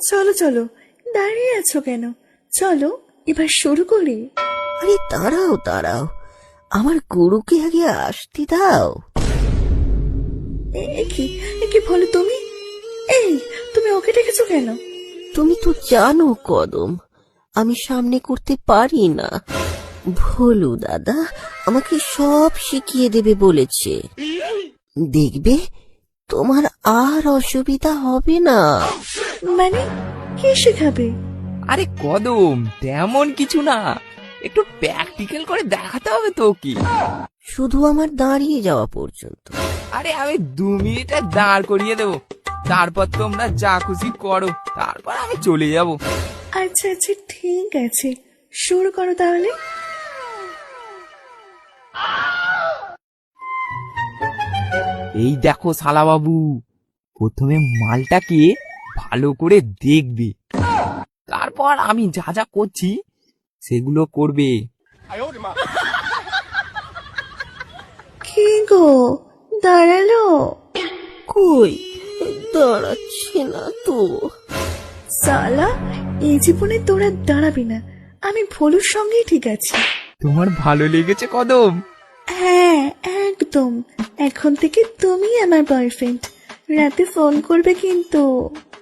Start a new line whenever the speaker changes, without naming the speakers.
চলো চলো, দাঁড়িয়ে আছো কেন? চলো এবার শুরু করি।
আরে দাঁড়াও দাঁড়াও, আমার গরুকে আগে আসতে দাও।
কি বলো তুমি? এই, তুমি ওকে ডেকেছো কেন?
তুমি তো জানো কদম, আমি সামনে করতে পারি না। ভোলু দাদা আমাকে সব শিখিয়ে দেবে বলেছে। দেখবে তোমার আর অসুবিধা হবে না।
মানে কে শেখাবে?
আরে কদম, তেমন কিছু না, একটু প্র্যাকটিক্যাল করে দেখাতে হবে তো কি।
শুধু আমার দাঁড়িয়ে যাওয়া পর্যন্ত।
আরে আমি 2 মিনিটে দাঁড় করিয়ে দেবো, তারপর তোমরা যা খুশি করো, তারপর আমি চলে যাব।
আচ্ছা আচ্ছা, ঠিক আছে, শুরু করো তাহলে।
এই দেখো শালা বাবু, প্রথমে মালটাকে ভালো করে দেখবে, তারপর আমি যা যা করছি সেগুলো করবে।
কি গো, দাঁড়ালো?
কই, দাঁড়াচ্ছে না তো।
সালা, এই জীবনে তোরা দাঁড়াবি না, আমি ভোলুর সঙ্গেই ঠিক আছি।
তোমার ভালো লেগেছে কদম?
হ্যাঁ একদম, এখন থেকে তুমি আমার বয়ফ্রেন্ড। রাতে ফোন করবে কিন্তু।